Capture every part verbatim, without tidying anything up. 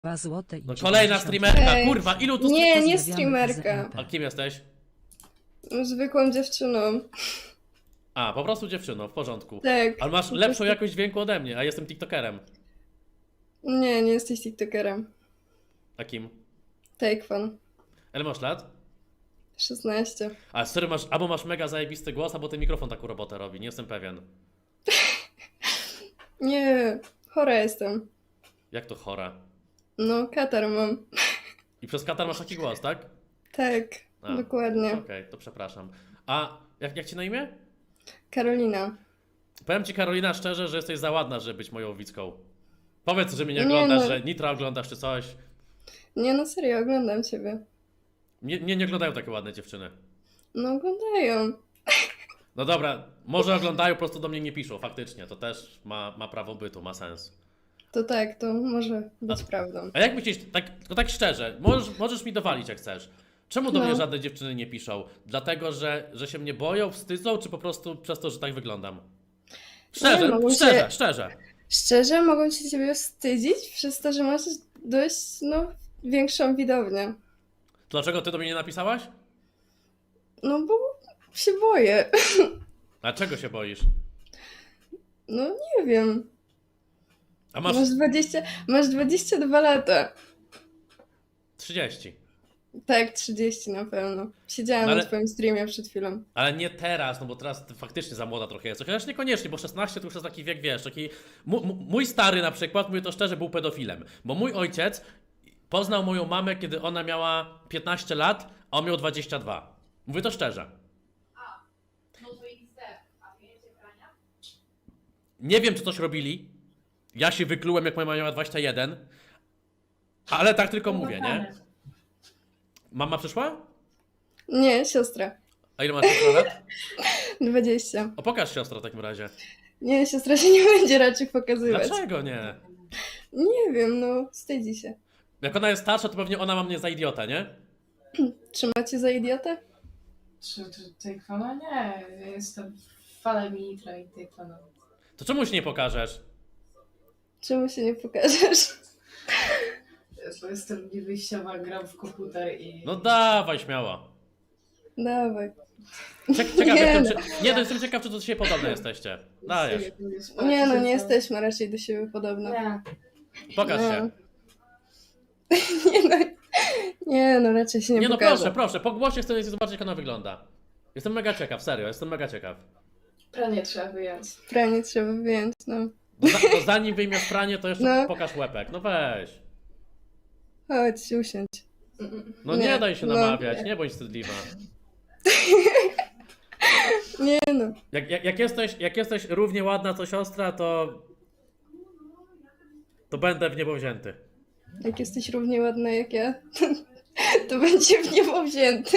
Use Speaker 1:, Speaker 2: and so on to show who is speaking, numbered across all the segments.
Speaker 1: dwa złote i
Speaker 2: No kolejna streamerka,
Speaker 3: Ej.
Speaker 2: kurwa, ilu tu
Speaker 3: Nie,
Speaker 2: streamerów?
Speaker 3: nie
Speaker 1: Pozdrawiamy z
Speaker 3: streamerka.
Speaker 1: M P.
Speaker 2: A kim jesteś?
Speaker 3: Zwykłą dziewczyną.
Speaker 2: A, po prostu dziewczyną, w porządku.
Speaker 3: Tak.
Speaker 2: Ale masz
Speaker 3: po
Speaker 2: lepszą
Speaker 3: prostu-
Speaker 2: jakość dźwięku ode mnie, a jestem tiktokerem.
Speaker 3: Nie, nie jesteś tiktokerem.
Speaker 2: A kim?
Speaker 3: Takefan.
Speaker 2: Ile masz lat?
Speaker 3: szesnaście.
Speaker 2: A sorry, masz, albo masz mega zajebisty głos, albo ten mikrofon taką robotę robi, nie jestem pewien.
Speaker 3: Nie, chora jestem.
Speaker 2: Jak to chora?
Speaker 3: No, katar mam.
Speaker 2: I przez katar masz taki głos, tak?
Speaker 3: Tak,
Speaker 2: A,
Speaker 3: dokładnie.
Speaker 2: Okej, to przepraszam. A jak, jak ci na imię?
Speaker 3: Karolina.
Speaker 2: Powiem ci, Karolina, szczerze, że jesteś za ładna, żeby być moją widzką. Powiedz, że mnie nie
Speaker 3: Nie,
Speaker 2: oglądasz,
Speaker 3: no.
Speaker 2: że Nitra oglądasz czy coś.
Speaker 3: Nie, no serio, oglądam ciebie.
Speaker 2: Nie, nie, nie oglądają takie ładne dziewczyny.
Speaker 3: No, oglądają.
Speaker 2: No dobra, może oglądają, po prostu do mnie nie piszą, faktycznie. To też ma, ma prawo bytu, ma sens.
Speaker 3: To tak, to może być prawdą.
Speaker 2: A jak myślisz, tak, tylko tak szczerze, możesz, możesz mi dowalić jak chcesz. Czemu do
Speaker 3: No.
Speaker 2: mnie żadne dziewczyny nie piszą? Dlatego, że, że się mnie boją, wstydzą, czy po prostu przez to, że tak wyglądam? Szczerze,
Speaker 3: Nie, mogą się-
Speaker 2: szczerze, szczerze.
Speaker 3: Szczerze, mogą się ciebie wstydzić przez to, że masz dość, no, większą widownię.
Speaker 2: Dlaczego ty do mnie nie napisałaś?
Speaker 3: No, bo się boję.
Speaker 2: A czego się boisz?
Speaker 3: No, nie wiem.
Speaker 2: A masz
Speaker 3: Masz dwadzieścia, masz dwadzieścia dwa lata.
Speaker 2: trzydzieści.
Speaker 3: Tak, trzydzieści na pewno. Siedziałam
Speaker 2: No ale-
Speaker 3: na twoim streamie przed chwilą.
Speaker 2: Ale nie teraz, no bo teraz ty faktycznie za młoda trochę jesteś. Chociaż niekoniecznie, bo szesnaście to już jest taki wiek, wiesz, taki... Mu- mu- mój stary na przykład, mówię to szczerze, był pedofilem. Bo mój ojciec poznał moją mamę, kiedy ona miała piętnaście lat, a on miał dwadzieścia dwa. Mówię to szczerze.
Speaker 4: No to iks de, a wiecie prania?
Speaker 2: Nie wiem, czy coś robili. Ja się wyklułem, jak moja mama miała dwadzieścia jeden. Ale tak tylko mówię, nie? Mama przyszła?
Speaker 3: Nie, siostra.
Speaker 2: A ile masz siostra lat?
Speaker 3: dwadzieścia.
Speaker 2: O, pokaż siostra w takim razie.
Speaker 3: Nie, siostra się nie będzie raczej pokazywać.
Speaker 2: Dlaczego nie?
Speaker 3: Nie wiem, no, wstydzi się.
Speaker 2: Jak ona jest starsza, to pewnie ona ma mnie za idiotę, nie?
Speaker 3: Trzymacie za idiotę?
Speaker 4: Czy, czy Takefana? Nie, ja jestem fanem Nitra i Takefana.
Speaker 2: To czemu się nie pokażesz?
Speaker 3: Czemu się nie pokażesz?
Speaker 4: Bo jestem niewyjściowa, gram w komputer i...
Speaker 2: No dawaj, śmiało.
Speaker 3: Dawaj.
Speaker 2: Ciek ciekaw,
Speaker 3: Nie
Speaker 2: jak
Speaker 3: no.
Speaker 2: to, czy, nie, to jestem ciekaw, czy to do siebie podobne jesteście. Dajesz.
Speaker 3: Nie no, nie jesteśmy raczej do siebie podobne.
Speaker 4: Nie.
Speaker 2: Pokaż się.
Speaker 3: Nie no, nie no, raczej się nie,
Speaker 2: Nie no,
Speaker 3: pokaże.
Speaker 2: proszę, proszę, po głosie chcę zobaczyć, jak ona wygląda. Jestem mega ciekaw, serio, jestem mega ciekaw.
Speaker 4: Pranie trzeba wyjąć.
Speaker 3: Pranie trzeba wyjąć, no.
Speaker 2: No, za, to zanim wyjmiesz pranie, to jeszcze
Speaker 3: No.
Speaker 2: pokaż łepek. No weź.
Speaker 3: Chodź, usiądź.
Speaker 2: No nie,
Speaker 3: Nie,
Speaker 2: daj się
Speaker 3: no,
Speaker 2: namawiać,
Speaker 3: nie.
Speaker 2: nie bądź wstydliwa.
Speaker 3: Nie no.
Speaker 2: Jak, jak, jak, jesteś, jak jesteś równie ładna co siostra, to... To będę w niebo wzięty.
Speaker 3: Jak jesteś równie ładna jak ja, to będzie w niebo wzięty.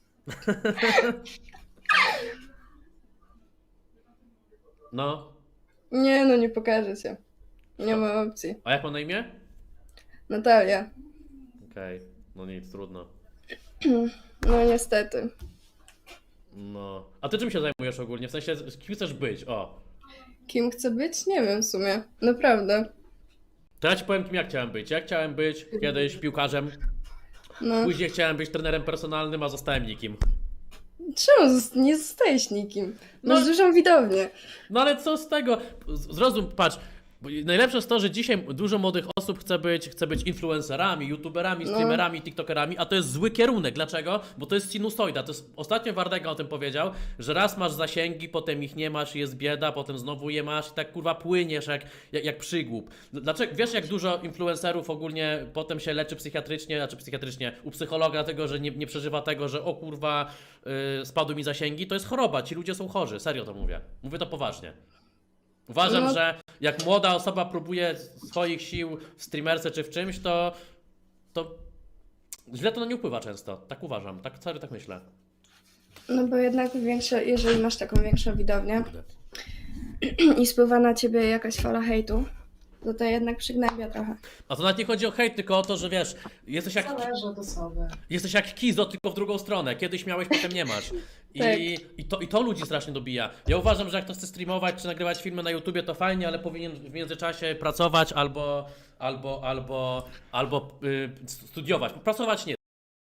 Speaker 2: No.
Speaker 3: Nie no, nie pokaże się. Nie ma opcji.
Speaker 2: A jak ma na imię?
Speaker 3: Natalia.
Speaker 2: Okej, no nic, trudno.
Speaker 3: No niestety.
Speaker 2: No. A ty czym się zajmujesz ogólnie? W sensie, kim chcesz być? O.
Speaker 3: Kim chcę być? Nie wiem w sumie. Naprawdę.
Speaker 2: To ja ci powiem, kim ja chciałem być. Ja chciałem być kiedyś piłkarzem,
Speaker 3: No.
Speaker 2: później chciałem być trenerem personalnym, a zostałem nikim.
Speaker 3: Czemu zost- nie zostajesz nikim? Masz
Speaker 2: No.
Speaker 3: dużą widownię.
Speaker 2: No ale co z tego? Z- Zrozum, patrz. bo Najlepsze jest to, że dzisiaj dużo młodych osób chce być, chce być influencerami, youtuberami,
Speaker 3: No.
Speaker 2: streamerami, tiktokerami, a to jest zły kierunek. Dlaczego? Bo to jest sinusoida. To jest, ostatnio Wardega o tym powiedział, że raz masz zasięgi, potem ich nie masz i jest bieda, potem znowu je masz i tak kurwa płyniesz jak, jak, jak przygłup. Dlaczego? Wiesz, jak dużo influencerów ogólnie potem się leczy psychiatrycznie, znaczy psychiatrycznie u psychologa, dlatego że nie, nie przeżywa tego, że o kurwa yy, spadły mi zasięgi. To jest choroba, ci ludzie są chorzy, serio to mówię. Mówię to poważnie. Uważam,
Speaker 3: No.
Speaker 2: że jak młoda osoba próbuje swoich sił w streamerce czy w czymś, to, to źle to na nie wpływa często. Tak uważam, tak serio tak myślę.
Speaker 3: No bo jednak większe, jeżeli masz taką większą widownię i spływa na ciebie jakaś fala hejtu, to to jednak przygnębia trochę.
Speaker 2: A to nawet nie chodzi o hejt, tylko o to, że wiesz, jesteś jak,
Speaker 4: Zależy od osoby.
Speaker 2: jesteś jak Kizo, tylko w drugą stronę. Kiedyś miałeś, potem nie masz. I,
Speaker 3: Tak.
Speaker 2: i, to, I to ludzi strasznie dobija. Ja uważam, że jak ktoś chce streamować czy nagrywać filmy na YouTubie, to fajnie, ale powinien w międzyczasie pracować albo, albo, albo, albo y, studiować. Pracować nie.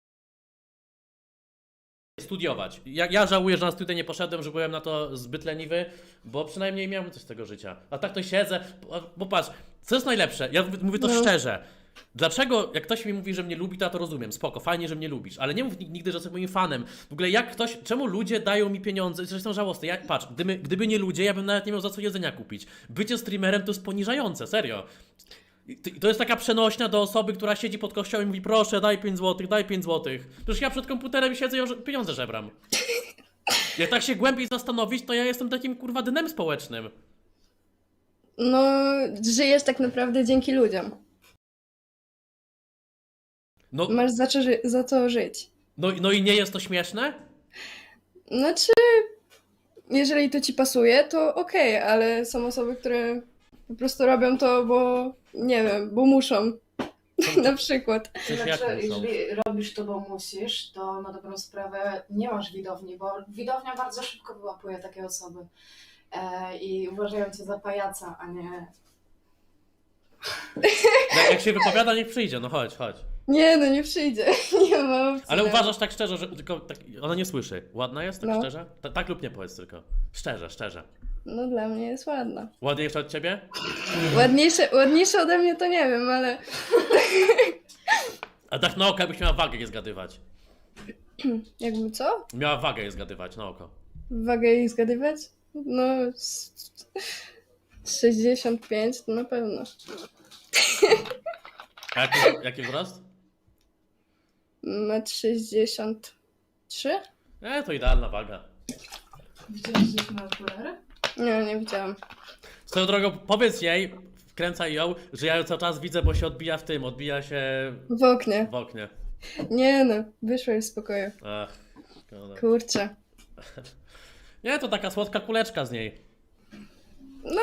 Speaker 2: Studiować. Ja, ja żałuję, że na studia nie poszedłem, że byłem na to zbyt leniwy, bo przynajmniej miałem coś z tego życia. A tak to siedzę, bo, bo patrz, co jest najlepsze? Ja mówię, mówię to
Speaker 3: No.
Speaker 2: szczerze. Dlaczego, jak ktoś mi mówi, że mnie lubi, to ja to rozumiem, spoko, fajnie, że mnie lubisz, ale nie mów nig- nigdy, że jesteś moim fanem. W ogóle jak ktoś, czemu ludzie dają mi pieniądze, zresztą żałosne, jak, patrz, gdyby, gdyby nie ludzie, ja bym nawet nie miał za co jedzenia kupić. Bycie streamerem to jest poniżające, serio. I to- To jest taka przenośnia do osoby, która siedzi pod kościołem i mówi, proszę, daj pięć złotych, daj pięć złotych. Przecież ja przed komputerem siedzę i ja pieniądze żebram. Jak tak się głębiej zastanowić, to ja jestem takim kurwa dnem społecznym.
Speaker 3: No, żyjesz tak naprawdę dzięki ludziom.
Speaker 2: No,
Speaker 3: Masz za, co ży- za co żyć.
Speaker 2: no, no i nie jest to śmieszne?
Speaker 3: Znaczy, jeżeli to ci pasuje, to okej, ale są osoby, które po prostu robią to, bo nie wiem, bo muszą. Na przykład.
Speaker 2: W sensie jak
Speaker 4: Znaczy,
Speaker 2: muszą?
Speaker 4: jeżeli robisz to, bo musisz, to na dobrą sprawę nie masz widowni, bo widownia bardzo szybko wyłapuje takie osoby e, i uważają cię za pajaca, a nie...
Speaker 2: Jak, jak się wypowiada, niech przyjdzie, no chodź, chodź.
Speaker 3: Nie, no nie przyjdzie. Nie ma opcji.
Speaker 2: Ale
Speaker 3: no.
Speaker 2: uważasz tak szczerze, że tylko tak, ona nie słyszy. Ładna jest, tak
Speaker 3: No.
Speaker 2: szczerze? Ta, tak lub nie powiedz tylko. Szczerze, szczerze.
Speaker 3: No dla mnie jest ładna.
Speaker 2: Ładniejsza od ciebie?
Speaker 3: Ładniejsze, ładniejsze ode mnie to nie wiem, ale
Speaker 2: A tak na oko, jakbyś miała wagę je zgadywać.
Speaker 3: jakby co?
Speaker 2: Miała wagę je zgadywać, na oko.
Speaker 3: Wagę jej zgadywać? No s- sześćdziesiąt pięć to na pewno.
Speaker 2: A jaki, jaki wzrost?
Speaker 3: metr sześćdziesiąt trzy?
Speaker 2: E, to idealna waga.
Speaker 4: Widziałeś gdzieś na okulary?
Speaker 3: Nie, nie widziałam.
Speaker 2: Swoją drogą, powiedz jej, wkręcaj ją, że ja ją cały czas widzę, bo się odbija w tym, odbija się
Speaker 3: W oknie.
Speaker 2: w oknie.
Speaker 3: Nie no, wyszła z pokoju.
Speaker 2: Ach, szkoda.
Speaker 3: Kurczę.
Speaker 2: Nie, to taka słodka kuleczka z niej.
Speaker 3: No,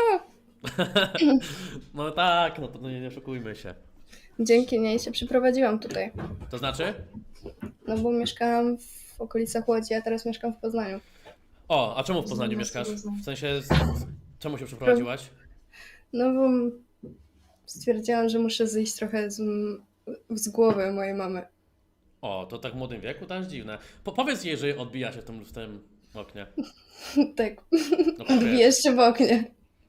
Speaker 2: No tak, no to nie, nie oszukujmy się.
Speaker 3: dzięki niej się przyprowadziłam tutaj.
Speaker 2: To znaczy?
Speaker 3: No bo mieszkałam w okolicach Łodzi, a teraz mieszkam w Poznaniu.
Speaker 2: O, a czemu w Poznaniu
Speaker 4: Znam,
Speaker 2: mieszkasz?
Speaker 4: znam.
Speaker 2: W sensie, z, z, czemu się przeprowadziłaś?
Speaker 3: No bo stwierdziłam, że muszę zejść trochę z, z głowy mojej mamy.
Speaker 2: O, to tak w młodym wieku, to jest dziwne. Po, powiedz jej, że odbija się w tym, w tym oknie.
Speaker 3: Tak,
Speaker 2: No powiedz.
Speaker 3: jeszcze w oknie.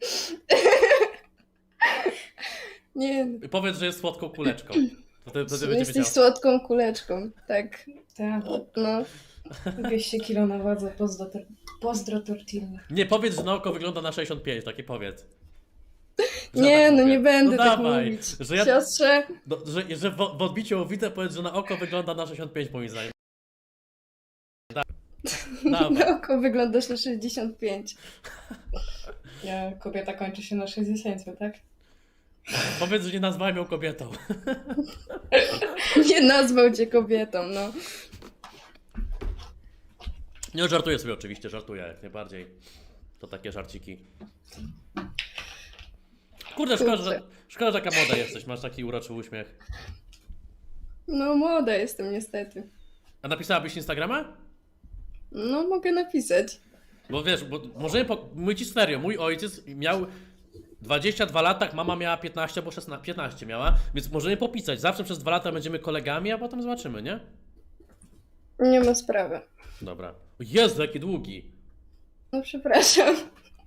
Speaker 3: Nie,
Speaker 2: I powiedz, że jest słodką kuleczką. Wtedy, wtedy będzie
Speaker 3: jesteś
Speaker 2: wiedział.
Speaker 3: słodką kuleczką. Tak,
Speaker 4: Tak.
Speaker 3: no.
Speaker 4: dwieście kilo na wadze, pozdro, tor- pozdro tortilla.
Speaker 2: Nie, powiedz, że na oko wygląda na sześćdziesiąt pięć, takie powiedz. Że
Speaker 3: Nie,
Speaker 2: ja tak
Speaker 3: no
Speaker 2: mówię.
Speaker 3: nie będę
Speaker 2: no
Speaker 3: tak
Speaker 2: dawaj,
Speaker 3: mówić.
Speaker 2: Że, ja,
Speaker 3: Siostrze,
Speaker 2: no, że, że w, w odbiciu widzę, powiedz, że na oko wygląda na sześćdziesiąt pięć moim zdaniem. Da, dawaj.
Speaker 3: na oko wyglądasz na sześćdziesiąt pięć.
Speaker 4: Ja, kobieta kończy się na sześćdziesięciu, tak?
Speaker 2: Powiedz, że nie nazwałem ją kobietą.
Speaker 3: Nie nazwał cię kobietą, no.
Speaker 2: Nie, żartuję sobie oczywiście, żartuję jak najbardziej. To takie żarciki. Kurde, szkoda, że, szkoda, że taka młoda jesteś, masz taki uroczy uśmiech.
Speaker 3: No młoda jestem niestety.
Speaker 2: A napisałabyś Instagrama?
Speaker 3: No mogę napisać.
Speaker 2: Bo wiesz, bo możemy, po... mówię ci serio, mój ojciec miał dwadzieścia dwa lata, mama miała piętnaście, bo szesnaście, piętnaście miała, więc możemy popisać. Zawsze przez dwa lata będziemy kolegami, a potem zobaczymy, nie?
Speaker 3: Nie ma sprawy.
Speaker 2: Dobra. O Jezu, jaki długi.
Speaker 3: No przepraszam.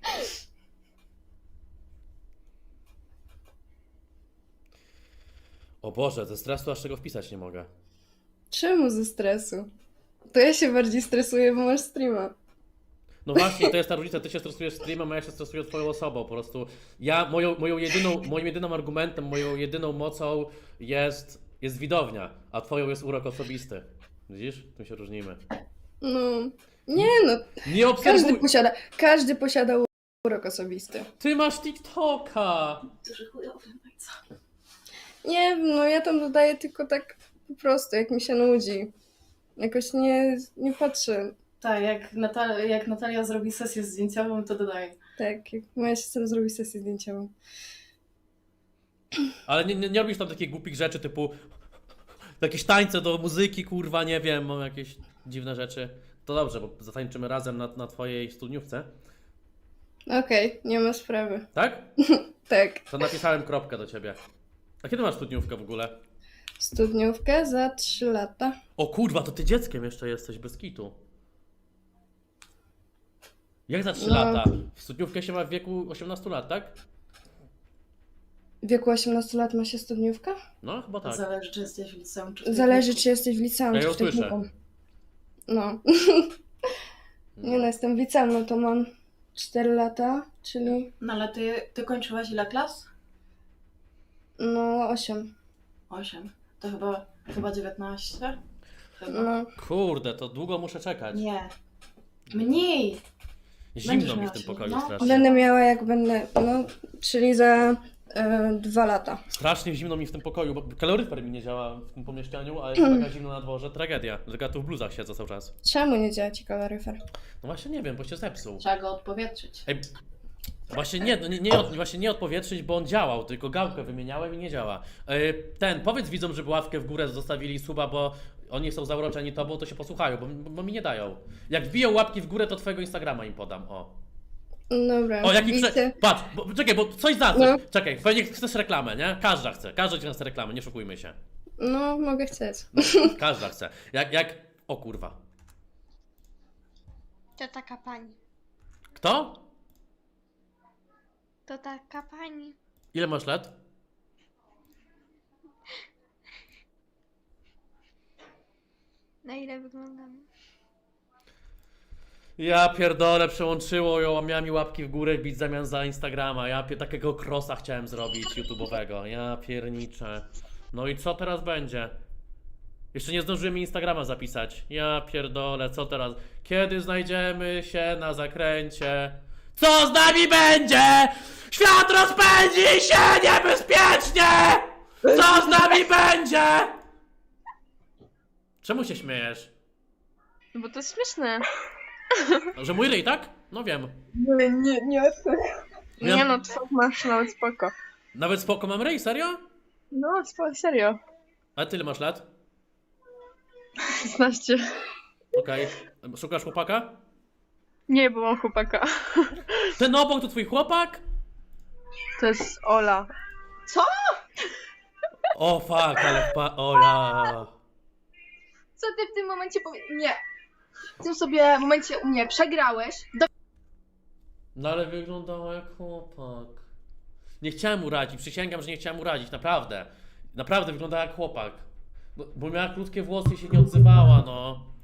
Speaker 2: O Boże, ze stresu aż tego wpisać nie mogę.
Speaker 3: Czemu ze stresu? To ja się bardziej stresuję, bo masz streama.
Speaker 2: No właśnie, to jest ta różnica, ty się stresujesz streamem, a ja się stresuję twoją osobą, po prostu ja, moją, moją jedyną, moim jedynym argumentem, moją jedyną mocą jest, jest widownia, a twoją jest urok osobisty. Widzisz? Tym się różnimy.
Speaker 3: No. Nie no,
Speaker 2: Nie
Speaker 3: każdy
Speaker 2: obserwuj!
Speaker 3: posiada, każdy posiada urok osobisty.
Speaker 2: Ty masz TikToka!
Speaker 4: Duży chujowy, no i co?
Speaker 3: Nie, no ja tam dodaję tylko tak po prostu, jak mi się nudzi. Jakoś nie, nie patrzę.
Speaker 4: Tak, jak, Natal- jak Natalia zrobi sesję zdjęciową, to dodaję.
Speaker 3: Tak, jak moja siostra zrobi sesję zdjęciową.
Speaker 2: Ale nie, nie, nie robisz tam takich głupich rzeczy typu jakieś tańce do muzyki, kurwa, nie wiem, mam jakieś dziwne rzeczy. To dobrze, bo zatańczymy razem na, na twojej studniówce.
Speaker 3: Okej, nie ma sprawy.
Speaker 2: Tak?
Speaker 3: Tak,
Speaker 2: To napisałem kropkę do ciebie. A kiedy masz studniówkę w ogóle?
Speaker 3: studniówkę za trzy lata.
Speaker 2: O kurwa, to ty dzieckiem jeszcze jesteś, bez kitu. Jak za trzy
Speaker 3: No.
Speaker 2: lata? W studniówkę się ma w wieku osiemnastu lat, tak?
Speaker 3: W wieku osiemnastu lat ma się studniówka?
Speaker 2: No, chyba tak.
Speaker 4: Zależy, czy jesteś w liceum, czy w
Speaker 3: Zależy,
Speaker 4: technikum.
Speaker 3: czy jesteś w liceum,
Speaker 2: Ja
Speaker 3: czy
Speaker 2: ją
Speaker 3: w
Speaker 2: słyszę.
Speaker 3: technikum. No. Nie no, jestem w liceum, no to mam cztery lata, czyli
Speaker 4: No ale ty, ty kończyłaś ile klas?
Speaker 3: no osiem.
Speaker 4: Osiem. To chyba, chyba dziewiętnaście? Chyba.
Speaker 3: No.
Speaker 2: Kurde, to długo muszę czekać.
Speaker 4: Nie. Mniej!
Speaker 2: Zimno
Speaker 4: Będziesz
Speaker 2: mi w
Speaker 4: miała
Speaker 2: tym
Speaker 4: się-
Speaker 2: pokoju
Speaker 4: no.
Speaker 2: strasznie.
Speaker 3: Będę miała jak będę, no, czyli za e, dwa lata.
Speaker 2: Strasznie zimno mi w tym pokoju, bo kaloryfer mi nie działa w tym pomieszczeniu, a jest taka zimno na dworze, tragedia. Że ja tu w bluzach siedzę cały czas.
Speaker 3: Czemu nie działa ci kaloryfer?
Speaker 2: No właśnie nie wiem, bo się zepsuł.
Speaker 4: Trzeba go odpowietrzyć.
Speaker 2: Ej, właśnie nie, no nie, nie, od, właśnie nie odpowietrzyć, bo on działał, tylko gałkę wymieniałem i nie działa. Yy, ten, powiedz widzom, żeby ławkę w górę zostawili suba, bo oni są zauroczeni tobą, to się posłuchają, bo, bo mi nie dają. Jak wbiją łapki w górę, to twojego Instagrama im podam, o.
Speaker 3: Dobra,
Speaker 2: O, jaki
Speaker 3: widzę.
Speaker 2: prze... Patrz, bo, czekaj, bo coś za coś.
Speaker 3: No.
Speaker 2: Czekaj, pewnie chcesz reklamę, nie? Każda chce, każda ci chce reklamę, nie szukujmy się.
Speaker 3: No, mogę chcieć.
Speaker 2: No, każda chce. Jak, jak... O kurwa.
Speaker 1: To taka pani.
Speaker 2: Kto?
Speaker 1: To taka pani.
Speaker 2: Ile masz lat?
Speaker 1: Na ile wyglądam?
Speaker 2: Ja pierdolę, przełączyło ją, a miała mi łapki w górę bić w zamian za Instagrama. Ja pie- takiego crossa chciałem zrobić YouTube'owego. Ja pierniczę. No i co teraz będzie? Jeszcze nie zdążyłem mi Instagrama zapisać. Ja pierdolę, co teraz? Kiedy znajdziemy się na zakręcie? Co z nami będzie? Świat rozpędzi się niebezpiecznie! Co z nami będzie? Czemu się śmiejesz?
Speaker 5: No bo to jest śmieszne.
Speaker 2: Że mój ryj, tak? No wiem.
Speaker 5: Nie, nie, nie.
Speaker 2: Ja-
Speaker 5: Nie no, twój masz nawet spoko.
Speaker 2: Nawet spoko mam ryj, serio?
Speaker 5: No, spoko, serio.
Speaker 2: A ty ile masz lat?
Speaker 5: szesnaście.
Speaker 2: Okej. Szukasz chłopaka?
Speaker 5: Nie, bo mam chłopaka.
Speaker 2: Ten obok to twój chłopak?
Speaker 5: To jest Ola.
Speaker 2: O fuck, ale pa... O ja...
Speaker 6: Co ty w tym momencie powie... Nie. W tym sobie momencie u mnie przegrałeś. Do...
Speaker 2: No ale wyglądała jak chłopak. Nie chciałem urazić, przysięgam, że nie chciałem urazić, naprawdę. Naprawdę wyglądała jak chłopak. No, bo miała krótkie włosy i się nie odzywała, no.